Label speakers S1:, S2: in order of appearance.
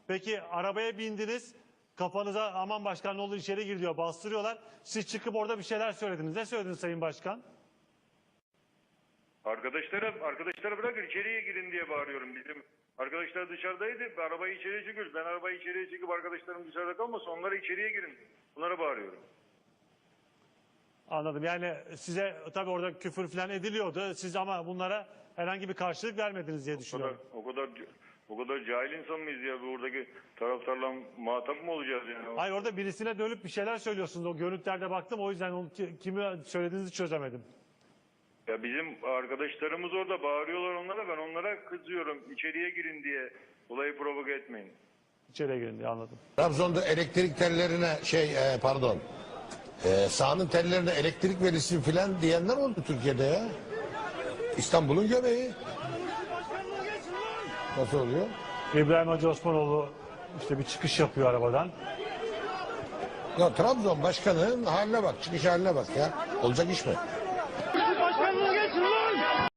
S1: Peki arabaya bindiniz. Kafanıza aman başkan ne olur içeri gir diyor. Bastırıyorlar. Siz çıkıp orada bir şeyler söylediniz. Ne söylediniz Sayın Başkan?
S2: Arkadaşlara bırakın içeriye girin diye bağırıyorum. Bizim arkadaşlar dışarıdaydı. Arabayı içeriye çekiyoruz. Ben arabayı içeriye çekip arkadaşlarım dışarıda kalmasın. Onlara içeriye girin. Bunlara bağırıyorum.
S1: Anladım. Yani size tabii orada küfür falan ediliyordu. Siz ama bunlara herhangi bir karşılık vermediniz diye düşünüyorum.
S2: O kadar cahil insan mıyız ya? Buradaki taraftarla muhatap mı olacağız yani?
S1: Hayır, orada birisine dönüp bir şeyler söylüyorsunuz. O görüntülerde baktım. O yüzden onu, kimi söylediğinizi çözemedim.
S2: Ya bizim arkadaşlarımız orada bağırıyorlar onlara. Ben onlara kızıyorum. İçeriye girin diye. Olayı provoke etmeyin.
S1: İçeriye girin diye, anladım.
S3: Trabzon'da elektrik tellerine sahanın tellerine elektrik verilsin filan diyenler oldu Türkiye'de ya. İstanbul'un göbeği. Nasıl oluyor?
S1: İbrahim Hacı Osmanoğlu işte bir çıkış yapıyor arabadan.
S3: Ya Trabzon başkanının haline bak, çıkış haline bak ya. Olacak iş mi?